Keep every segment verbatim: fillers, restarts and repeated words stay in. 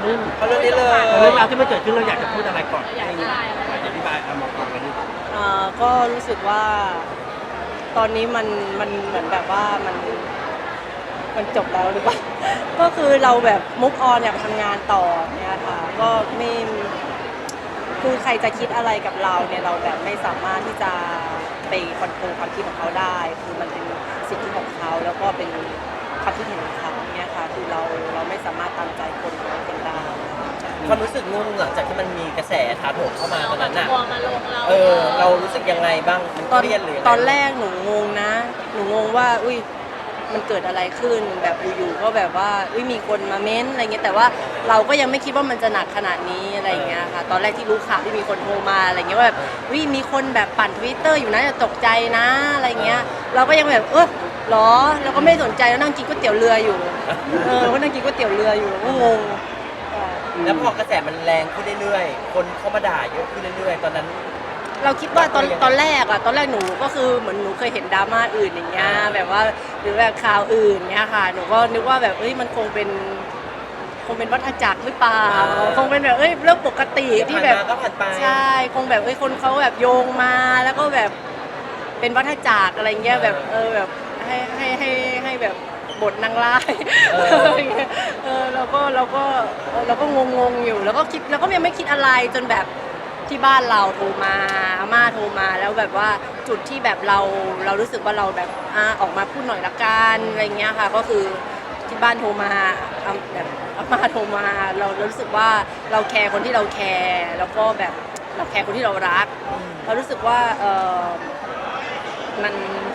มุ่งเขาเรื่องนี้เลยเรื่องราวที่มันเกิดขึ้นเราอยากจะพูดอะไรก่อนอยากอธิบายอยากอธิบายเอามองก่อนไปดิเอ่อก็รู้สึกว่าตอนนี้มันมันเหมือนแบบว่ามันมันจบแล้วหรือเปล่า ก็คือเราแบบมุกออนอยากทำงานต่อเนี่ยค่ะก็ไม่คือใครจะคิดอะไรกับเราเนี่ยเราแบบไม่สามารถที่จะไปคอนโทรลความคิดของเขาได้ คือมันเป็นสิทธิของเขาแล้วก็เป็นความคิดเห็นของเขาเนี่ยค่ะคือเราเราไม่สามารถตามใจคนร้อยคนได้ความรู้สึกงงหลังจากที่มันมีกระแสถาโถมเข้ามาตอนนั้นน่ะทัวร์มาลงเราเออเรารู้สึกยังไงบ้างมันตอนเครียดหรือยังไงตอนแรกหนูงงนะ หนูงงว่าอุ้ยมันเกิดอะไรขึ้นแบบอยู่ๆก็แบบว่าอุ้ยมีคนมาเม้นอะไรเงี้ยแต่ว่าเราก็ยังไม่คิดว่ามันจะหนักขนาดนี้อะไรเงี้ยค่ะตอนแรกที่รู้ข่าวที่มีคนโทรมาอะไรเงี้ยว่าแบบอุ้ยมีคนแบบปั่นทวิตเตอร์อยู่นะจะตกใจนะอะไรเงี้ยเราก็ยังแบบเออหรอเราก็ไม่สนใจแล้วนั่งกินก๋วยเตี๋ยวเรืออยู่เออก็นั่งกินก๋วยเตี๋ยวเรืออยู่ก็งงค่ะแล้วพอกระแสมันแรงขึ้นเรื่อยๆคนเข้ามาด่าเยอะขึ้นเรื่อยๆตอนนั้นเราคิดว่าตอนตอนแรกอะตอนแรกหนูก็คือเหมือนหนูเคยเห็นดราม่าอื่นอย่างเงี้ยแบบว่าหรือแบบข่าวอื่นเงี้ยค่ะหนูก็นึกว่าแบบเอ้ยมันคงเป็นคงเป็นวัฏจักรหรือเปล่าคงเป็นแบบเอ้ยเรื่องปกติที่แบบผ่านมาก็ผ่านไปใช่คงแบบเอ้ยคนเขาแบบโยงมาแล้วก็แบบเป็นวัฏจักรอะไรเงี้ยแบบเออแบบให้ให้ให้ให้แบบบทนางร้ายเอออะไรเงี้ยเออเราก็เราก็เออเราก็งงๆอยู่แล้วก็คิดแล้วก็ยังไม่คิดอะไรจนแบบที่บ้านเราโทรมาอาม่าโทรมาแล้วแบบว่าจุดที่แบบเราเรารู้สึกว่าเราแบบอ่าออกมาพูดหน่อยละกันอะไรเงี้ยค่ะก็คือที่บ้านโทรมาอ่าแบบอาม่าโทรมาเราเรารู้สึกว่าเราแคร์คนที่เราแคร์แล้วก็แบบเราแคร์คนที่เรารัก เรารู้สึกว่าเออมัน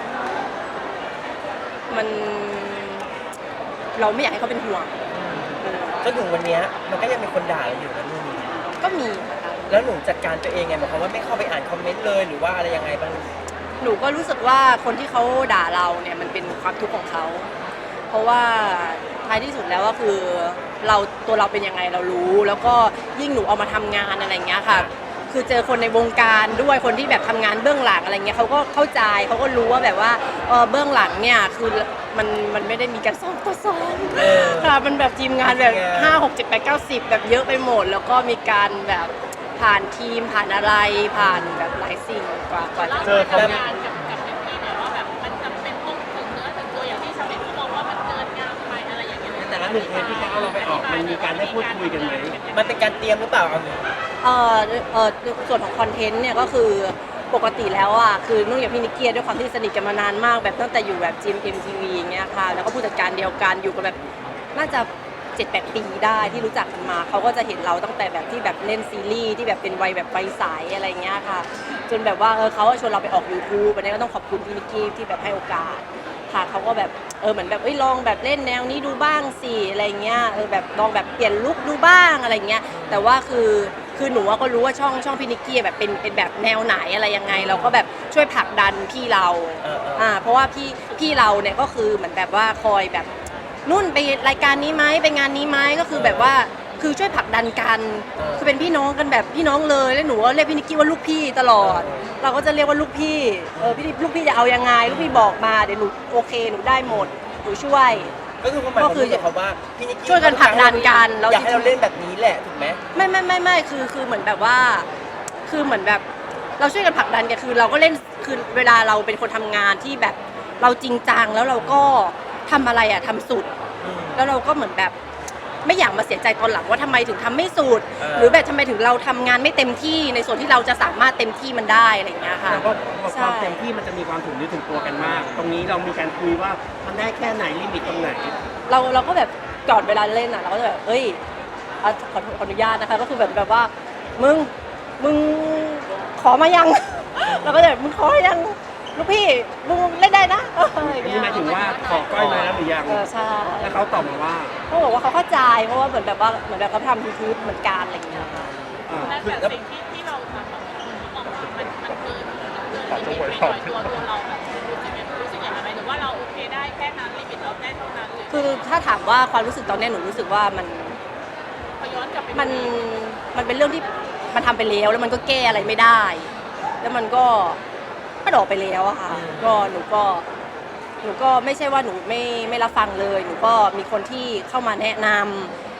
มันเราไม่อยากให้เขาเป็นห่วงเออจนถึงวันเนี้ยมันก็ยังมีคนด่าเราอยู่นะนู่นนี่ก็มีนะคะแล้วหนูจัดการตัวเองไงหมายความว่าไม่เข้าไปอ่านคอมเมนต์เลยหรือว่าอะไรยังไงบ้างหนูก็รู้สึกว่าคนที่เขาด่าเราเนี่ยมันเป็นความทุกข์ของเขา เพราะว่าท้ายที่สุดแล้วก็คือเราตัวเราเป็นยังไงเรารู้ แล้วก็ยิ่งหนูเอามาทำงานอะไรเงี้ยค่ะ คือเจอคนในวงการด้วยคนที่แบบทำงานเบื้องหลังอะไรเงี้ยเขาก็เข้าใจเขาก็รู้ว่าแบบว่าเออเบื้องหลังเนี่ยคือมันมันไม่ได้มีการซ้อมต่อซ้อมเออค่ะมันแบบทีมงานแบบทีมงานห้าหกเจ็ดแปดเก้าสิบแบบเยอะไปหมด แล้วก็มีการแบบผ่านทีมผ่านอะไรผ่านแบบหลายสิ่งกว่ากว่าจะเจอทำงานกับกับพี่เนี่ยว่าแบบมันจำเป็นต้องถึงเนื้อถึงตัวอย่างที่ชาวเน็ตเขามองว่ามันเกินงามไปอะไรอย่างเงี้ยแต่ละหนึ่งเทปที่เขาเอาเราไปออกมันมีการได้พูดคุยกันไหมมันเป็นการเตรียมหรือเปล่าเอาหนูเอ่อเอ่อส่วนของคอนเทนต์เนี่ยก็คือปกติแล้วอ่ะคือนุ่นกับพี่นิกเกียด้วยความที่สนิทกันมานานมากแบบตั้งแต่อยู่แบบ จี เอ็ม เอ็ม ที วี อย่างเงี้ยค่ะแล้วก็ผู้จัดการเดียวกันอยู่กันแบบน่าจะเจ็ดแปดปีได้ที่รู้จักกันมาเขาก็จะเห็นเราตั้งแต่แบบที่แบบเล่นซีรีส์ที่แบบเป็นวัยแบบวัยใสอะไรเงี้ยค่ะจนแบบว่าเออเขาชวนเราไปออก YouTube อันนี้ก็ต้องขอบคุณพี่นิกกี้ที่แบบให้โอกาสค่ะเขาก็แบบเออเหมือนแบบเอ้ยลองแบบเล่นแนวนี้ดูบ้างสิอะไรเงี้ยเออแบบลองแบบเปลี่ยนลุคดูบ้างอะไรเงี้ยแต่ว่าคือคือหนูก็รู้ว่าช่องช่องพี่นิกกี้แบบเป็นเป็นแบบแนวไหนอะไรยังไง เราก็แบบช่วยผลักดันพี่เราเออเอออ่าเพราะว่าพี่พี่เราเนี่ยก็คือเหมือนแบบว่าคอยแบบนุ่นไปรายการนี้ไหมไปงานนี้ไหมก็คือแบบว่าคือช่วยผลักดันกันคือเป็นพี่น้องกันแบบพี่น้องเลยแล้วหนูก็เรียกพี่นิกกี้ว่าลูกพี่ตลอด เราก็จะเรียกว่าลูกพี่เออพี่ลูกพี่จะเอายังไงลูกพี่บอกมาเดี๋ยวหนูโอเคหนูได้หมดหนูช่วยก็คือความหมายของหนูกับเขาว่าพี่นิกกี้ช่วยกันผลักดันกันแล้วอยากให้เราเล่นแบบนี้แหละถูกไหมไม่ไม่ไม่ไม่คือคือเหมือนแบบว่า คือเหมือนแบบเราช่วยกันผลักดันกันคือเราก็เล่นคือเวลาเราเป็นคนทำงานที่แบบเราจริงจังแล้วเราก็ทำอะไรอะทำสุดอืมแล้วเราก็เหมือนแบบไม่อยากมาเสียใจตอนหลังว่าทำไมถึงทำไม่สุดเออหรือแบบทำไมถึงเราทำงานไม่เต็มที่ในส่วนที่เราจะสามารถเต็มที่มันได้อะไรอย่างเงี้ยค่ะแต่ว่าความเต็มที่มันจะมีความถึงนึกถึงตัวกันมาก ตรงนี้เรามีการคุยว่ามันได้แค่ไหนลิมิตตรงไหนเราเราก็แบบก่อนเวลาเล่นอ่ะเราก็จะแบบเอ้ยอ่ะขอขออนุญาตนะคะก็คือแบบแบบว่ามึงมึงขอมายัง เราก็จะแบบมึงขอยังลูกพี่มึงเล่นได้นะ เอออย่างนี่เงี้ยหมายถึงว่าขอก้อยมาแล้วหรือยังเออใช่แล้วเขาตอบมาว่าเขาบอกว่าเขาเข้าใจเพราะว่าเหมือนแบบว่าเหมือนแบบเขาทำยูทูบเหมือนกันอะไรอย่างเงี้ยค่ะอ่าและแต่สิ่งที่ที่เราทำอะคนเขามองว่ามันมันเกินมันเกินลิมิตไปหน่อยตัวตัวเราแบบรู้สึกยังรู้สึกอย่างไรหรือว่าเราโอเคได้แค่นั้นลิมิตเราได้เท่านั้นหรือคือถ้าถามว่าความรู้สึกตอนเนี้ยหนูรู้สึกว่ามันพอย้อนกลับไปดูมันมันเป็นเรื่องที่มันทำไปแล้วแล้วมันก็แก้อะไรไม่ได้ แล้วมันก็ก็ดอกไปแล้วอะค่ะก็หนูก็หนูก็ไม่ใช่ว่าหนูไม่ไม่รับฟังเลยหนูก็มีคนที่เข้ามาแนะนำ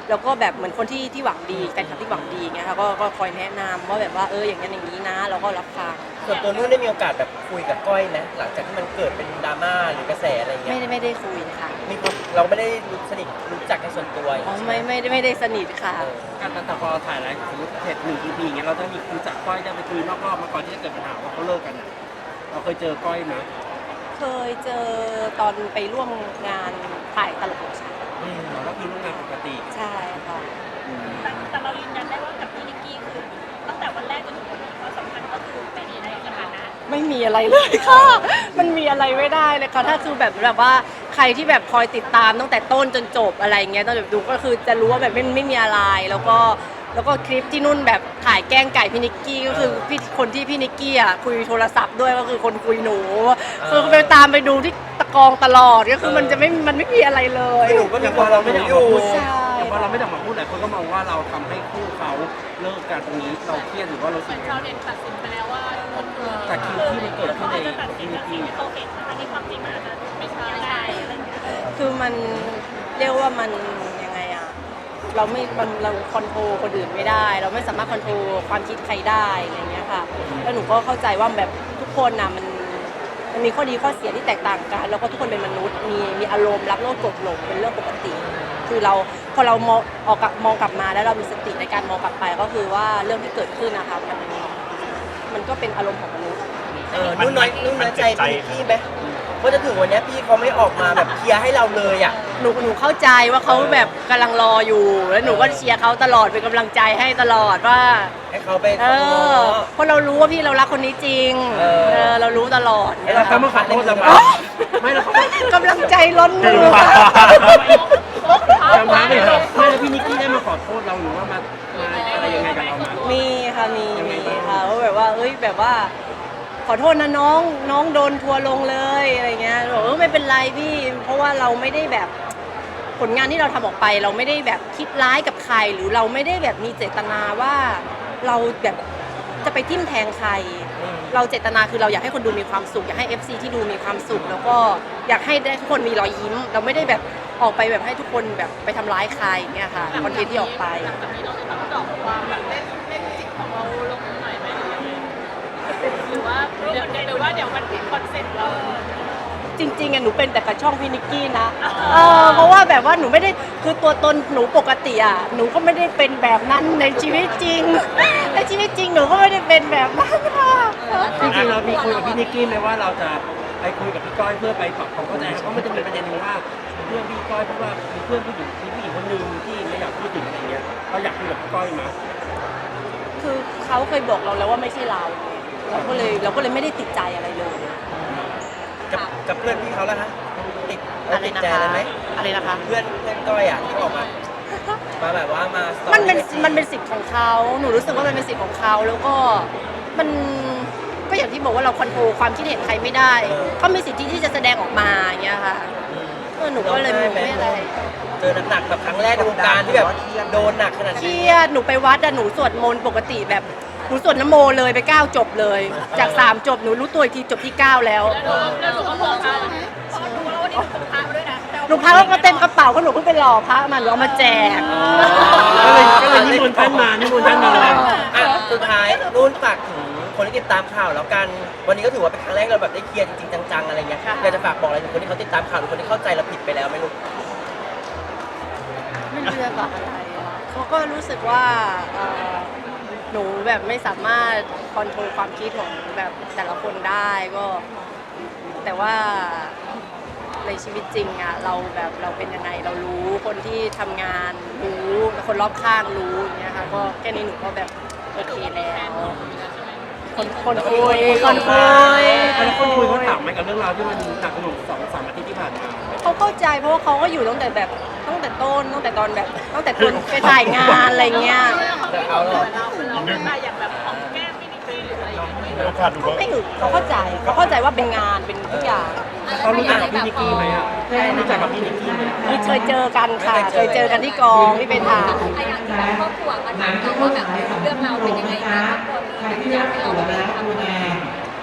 แล้วก็แบบเหมือนคนที่ที่หวังดีแฟนคลับที่หวังดีเงี้ยค่ะก็ก็คอยแนะนำว่าแบบว่าเอออย่างนั้นอย่างนี้นะเราก็รับฟังส่วนตัวนุ่นได้มีโอกาสแบบคุยกับก้อยไหมหลังจากที่มันเกิดเป็นดราม่าหรือกระแสอะไรไม่เงี้ยได้ไม่ได้คุยค่ะมีความเราไม่ได้รู้สนิทรู้จักกันส่วนตัวอย่างอ๋องี้ใช่หไม่ไม่ได้ไม่ได้สนิทค่ะเออการตัดต่อพอถ่ายแล้วสมมติเสร็จหนึ่ง อี พี อย่างเงี้ยเราต้องมีรู้จักก้อยได้ไปคุยนอกรอบมาก่อนที่จะเกิดปัญหาว่าเขาเลิกกันอะเราเคยเจอก้อยไหมเคยเจอตอนไปร่วมงานถ่ายตลกของฉันอืมเราก็คือร่วมงานปกติใช่ค่ะแต่แต่เรายืนยันได้ว่ากับพี่นิกกี้คือตั้งแต่วันแรกจนถึงวันนี้ความสัมพันธ์ก็คือเป็นในสถานะไม่มีอะไรเลยค่ะ มันมีอะไรไม่ได้เลยค่ะถ้าคือแบบแบบว่าใครที่แบบคอยติดตามตั้งแต่ต้นจนจบอะไรเงี้ยตั้งแต่ดูก็คือจะรู้ว่าแบบไม่ไม่มีอะไรแล้วก็แล้วก็คลิปที่นุ่นแบบถ่ายแกล้งไก่พี่นิกกี้ก็คือพี่คนที่พี่นิกกี้อ่ะคุยโทรศัพท์ด้วยก็คือคนคุยหนูคือไปตามไปดูที่ตะกองตลอดก็คือมันจะไม่มันไม่มีอะไรเลยคือหนูก็มีแต่คพวาอมเราเราไม่ไม่ได้ได้ออกอยู่มาพูดใช่แต่พอเราไม่ได้ออกมาพูดหลายคนก็มองว่าเราทำให้คู่เขาเลิกกันตรงนี้เราเครียดหรือว่าเราเหสึมืกอนชาวเน็ตตัดสินไปแล้วว่าคนคือแต่คิวที่มันเกิดขึ้นในเขาจะตัดสินจากสิ่งที่เขาเห็นทั้งที่ความจริงมันอาจจะไม่ใช่อะไรอย่างเงี้ยคือมันเรียกว่ามันยังไงอะเราไม่มันเราคอนโทรลคนอื่นไม่ได้ เราไม่สามารถคอนโทรลความคิดใครได้อะไรเงี้ยค่ะแล้วหนูก็เข้าใจว่าแบบทุกคนนะมันมันมีข้อดีข้อเสียที่แตกต่างกันแล้วก็ทุกคนเป็นมนุษย์มีมีอารมณ์รักโลภโกรธหลงเป็นเรื่องปกติ คือเราพอเรามองออกกลับมองกลับมาแล้วเรามีสติในการมองกลับไปก็คือว่าเรื่องที่เกิดขึ้นนะคะมันมันก็เป็นอารมณ์ของมนุษย์เออนุ่นน้อยนุ่นน้อยใจพี่นิกกี้ไหมเพราะจะถึงวันเนี้ยพี่เขาไม่ออกมาแบบเคลียร์ให้เราเลยอ่ะหนูหนูเข้าใจว่าเขาแบบกำลังรออยู่แล้วหนูก็เชียร์เขาตลอดเป็นกำลังใจให้ตลอดว่าให้เขาไปเออเพราะเรารู้ว่าพี่เรารักคนนี้จริงเออเออเรารู้ตลอดแล้วเขามาขอโทษเราไหมไม่แล้วเขากำลังใจล้นมือจำได้ไหมครับไม่แล้วพี่นิกกี้ได้มาขอโทษเราหรือว่ามามาอะไรยังไงกับเรามามีค่ะมียังไงมีบ้างค่ะว่าแบบว่าเอ้ยแบบว่า ขอโทษนะน้องน้องโดนทัวร์ลงเลยอะไรเงี้ยบอกเออไม่เป็นไรพี่ เพราะว่าเราไม่ได้แบบผลงานที่เราทำออกไป เราไม่ได้แบบคิดร้ายกับใคร หรือเราไม่ได้แบบมีเจตนาว่าเราแบบจะไปทิ่มแทงใคร เราเจตนาคือเราอยากให้คนดูมีความสุขอยากให้ เอฟ ซี ที่ดูมีความสุข แล้วก็อยากให้ได้ทุกคนมีรอยยิ้ม เราไม่ได้แบบออกไปแบบให้ทุกคนแบบไปทำร้ายใครเนี่ยค่ะคอนเทนต์ที่ออกไปหลังจากนี้เราจะต้องดรอปความแบบเล่นเล่นจิตของเราลงหน่อยไหมหรือยังไงหรือว่าเดี๋ยวหรือว่าเดี๋ยวมันผิดคอนเซ็ปต์เราจริงๆอะหนูเป็นแต่กับช่องพี่นิกกี้นะเออเพราะว่าแบบว่าหนูไม่ได้คือตัวตนหนูปกติอะหนูก็ไม่ได้เป็นแบบนั้นในชีวิตจริงในชีวิตจริงหนูก็ไม่ได้เป็นแบบนั้นค่ะจริงๆเรามีคุยกับพี่นิกกี้ไหมว่าเราจะไปคุยกับพี่ก้อยเพื่อไปปรับความเข้าใจครับเพราะมันจะมีประเด็นหนึงว่าเพื่อนพี่ก้อยเพราะว่ามีเพื่อนผู้หญิงมีผู้หญิงคนหนึ่งที่ไม่อยากพูดถึงอะไรเงี้ยเราอยากคุยกับพี่ก้อยไหมคือเขาเคยบอกเราแล้วว่าไม่ใช่เราเราก็เลยเราก็เลยไม่ได้ติดใจอะไรเลยกับกับเพื่อนพี่เขาแล้วนะติดอะไรติดนะใจคะอะไรไหมอะไรนะคะเพื่อนเพื่อนก้อยอ่ะที่ออกมามาแบบว่ามาสตอรี่มันเป็นไอจีมันเป็นสิทธิ์ของเขาหนูรู้สึกว่ามันเป็นสิทธิ์ของเขาแล้วก็มันก็อย่างที่บอกว่าเราคอนโทรลความคิดเห็นใครไม่ได้เขามีสิทธิที่จะแสดงออกมาอย่างเงี้ยค่ะเออหนูก็เลยไม่ไม่อะไรเจอหนักๆแบบครั้งแรกในวงการที่แบบโดนหนักขนาดเคนี้รียดหนูไปวัดอะหนูสวดมนต์ปกติแบบหนูสวดนโมเลยไปเก้าจบเลย จากสามจบหนูรู้ตัวอีกทีจบที่เก้าแล้วแล้วหนูก็บอกเขาพอดูแล้ววันนี้หนูพาด้วยนะหนูพาก็เต็มกระเป๋าก็หนูเพิ่งไปหล่อพระมาหนูเอามาแจกก็เลยก็เลยนิมนต์ท่านมานิมนต์ท่านมาเลยอ่ะสุดท้ายนุ่นฝากถึงคนที่ติดตามข่าวแล้วกัน วันนี้ก็ถือว่าเป็นครั้งแรกเราแบบได้เคลียร์จริงๆจังๆอะไรเงี้ยอยากจะฝากบอกอะไรถึงคนที่เขาติดตามข่าวหรือคนที่เข้าใจเราผิดไปแล้วไหมลูกไม่รู้จะบอกอะไรอะเขาก็รู้สึกว่าเอ่อหนูแบบไม่สามารถคอนโทรลความคิดของแบบแต่ละคนได้ก็ แต่ว่าในชีวิตจริงอะเราแบบเราเป็นยังไงเรารู้คนที่ทำงานรู้คนรอบข้างรู้อย่างเงี้ยค่ะก็แค่นี้หนูก็แบบโอเคแล้วคนคนคุยคนคุยแล้วคนคุยเขาถามไหมกับเรื่องราวที่มันหนักหน่วงสองสามอาทิตย์ที่ผ่านมาเขาเข้าใจเพราะว่าเขาก็อยู่ตั้งแต่แบบตั้งแต่ต้นตั้งแต่ตอนแบบตั้งแต่คนไปถ่ายงานอะไรเงี้ยแต่เขาหรอเราเราได้อย่างแบบของแก้มพี่นิกกี้หรืออะไรอย่างเงี้ยโอกาสดูว่าไม่หึงเขาเข้าใจเขาเข้าใจว่าเป็นงานเป็นทุกอย่างเขารู้จักกับพี่นิกกี้ไหมอ่ะรู้จักกับพี่นิกกี้ไหมมีเคยเจอกันค่ะเคยเจอกันที่กองที่ไปถ่ายไอ้อย่างที่แบบครอบครัวมาถามเราว่าแบบเรื่องเราวเป็นยังไงนะครอบครัวมีอยากให้เราแบบทำอะไร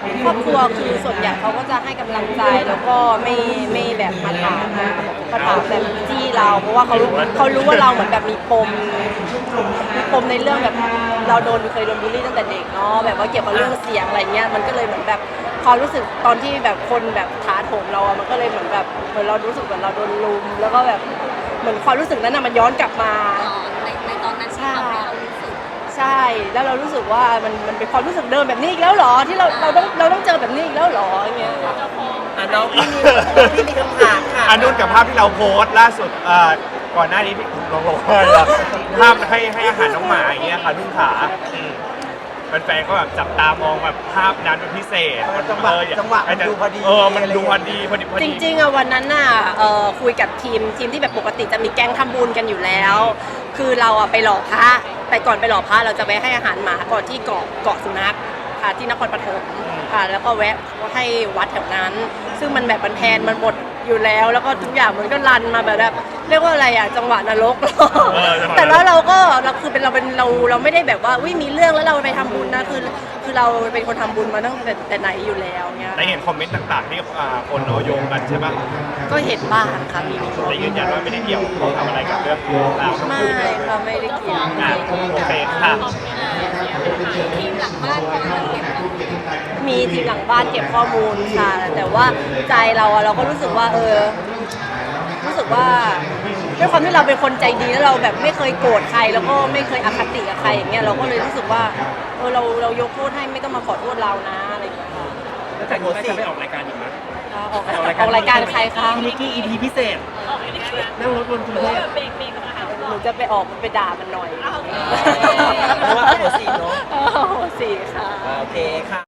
ครอบครัวคือส่วนใหญ่เขาก็จะให้กำลังใจแล้วก็ไม่ไม่แบบมาถามมาถามแบบจี้เราเพราะว่าเขาเขารู้ว่าเราเหมือนแบบมีปมมีปมในเรื่องแบบเราโดนเคยโดนบูลลี่ตั้งแต่เด็กเนาะแบบว่าเกี่ยวกับเรื่องเสียงอะไรเงี้ยมันก็เลยเหมือนแบบความรู้สึกตอนที่แบบคนแบบท้าโถมเราอะมันก็เลยเหมือนแบบเหมือนเรารู้สึกเหมือนเราโดนลุมแล้วก็แบบเหมือนความรู้สึกนั้นอะมันย้อนกลับมาในในตอนนั้นที่ทำให้เรารู้สึกใช่ แล้วเรารู้สึกว่ามันมันเป็นความรู้สึกเดิมแบบนี้อีกแล้วเหรอ ที่เราเราต้องเราต้องเจอแบบนี้อีกแล้วเหรออย่างเงี้ยอ่ะน้องพี่มีพี่มีคำถามค่ะอันนู้นกับภาพที่เราโพสต์ล่าสุดเอ่อก่อนหน้านี้ที่ลองลงภาพให้ให้อาหารน้องหมาอย่างเงี้ยค่ะนุ่นขาอืมแฟนๆก็แบบจับตามองแบบภาพนั้นเป็นพิเศษมันจังหวะเออจังหวะมันดูพอดีเออมันดูพอดีพอดีพอจดีริงๆอะวันนั้นน่ะเอ่อคุยกับทีมทีมที่แบบปกติจะมีแก๊งทำบุญกันอยู่แล้ว คือเราอะไปหล่อพระแต่ก่อนไปหล่อพระเราจะไปให้อาหารหมาก่อนที่เกาะเกาะสุนัขค่ะที่นครปฐมค่ะแล้วก็แวะให้วัดแถวนั้น ซึ่งมันแบบมันแพนมันหมดอยู่แล้ว แล้วก็ทุกอย่างมันก็รันมาแบบแบบเรียกว่าอะไรอะจังหวะนรก แต่แล้วเราก็เราคือเป็นเราเป็นเราเราไม่ได้แบบว่าอุ้ยมีเรื่องแล้วเราไปทำบุญนะคือคือเราเป็นคนทำบุญมาตั้งแต่แต่ไหนอยู่แล้วเงี้ยได้เห็นคอมเมนต์ต่างๆที่อ่าคนเอาโยงกันใช่ปะก็เห็นบ้างค่ะมีแต่ยืนยันว่าไม่ได้เกี่ยวข้องกับอะไรกับเรื่องราวทั้งไม่คู่ค่ะไม่ได้เกี่ยวอ่ะโอเคค่ะทีมหลังบ้านก็มันเก็บข้อมูลมีทีมหลังบ้านเก็บข้อมูลค่ะ แต่ว่าใจเราอะเราก็รู้สึกว่าเออรู้สึกว่าด้วยความที่เราเป็นคนใจดีแล้วเราแบบไม่เคยโกรธใครแล้วก็ไม่เคยอคติกับใครอย่างเงี้ยเราก็เลยรู้สึกว่าเออเราเรายกโทษให้ไม่ต้องมาขอโทษเรานะอะไรอย่างเงี้ยค่ะแล้วจากนี้ก็จะไปออกรายการอีกไหมอ่าออกออกรายการใครคะพี่นิกกี้ อี พี พิเศษออกไม่ได้นะนั่งรถบนกรุงหรือเทว่าพแบบเบรกเบรกมาหาหนูจะไปออกไปด่ามันหน่อยเอาโอเคเพราะว่าหัวสีเนาะโอ้โหสี่ค่ะโอเคค่ะ